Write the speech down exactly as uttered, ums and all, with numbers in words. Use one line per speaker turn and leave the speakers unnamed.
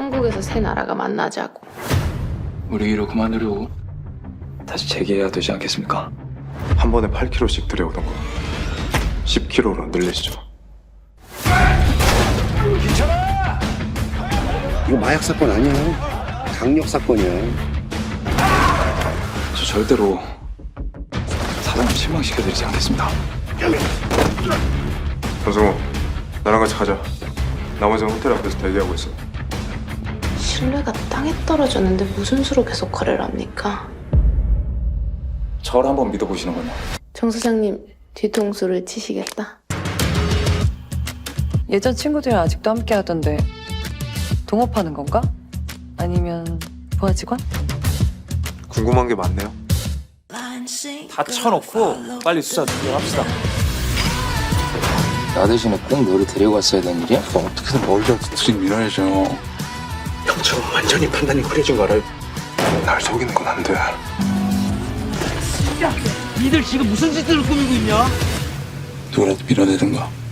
한국에서 세 나라가 만나자고.
우리 일을 그만두려고 다시 재개해야 되지 않겠습니까?
한 번에 팔 킬로그램씩 들여오던 거 십 킬로그램로 늘리시죠.
이거 마약 사건 아니야. 강력 사건이야.
저 절대로 사장님 실망시켜드리지 않겠습니다.
전승우, 나랑 같이 가자. 나머지는 호텔 앞에서 대기하고 있어.
신뢰가 땅에 떨어졌는데 무슨 수로 계속 거래를 합니까?
저를 한번 믿어보시는 거냐?
정 사장님 뒤통수를 치시겠다.
예전 친구들이랑 아직도 함께 하던데 동업하는 건가? 아니면 부하 직원?
궁금한 게 많네요.
다 쳐놓고 빨리 수사 진행합시다.
나 대신에 꼭 너를 데려갔어야 되는 일이야? 어떻게든 머리가 뒤틀이 밀어야죠.
형처럼 완전히 판단이 흐려진 거 알아요?
날 속이는 건 안 돼.
니들 지금 무슨 짓을 꾸미고 있냐?
누구라도 밀어내든가.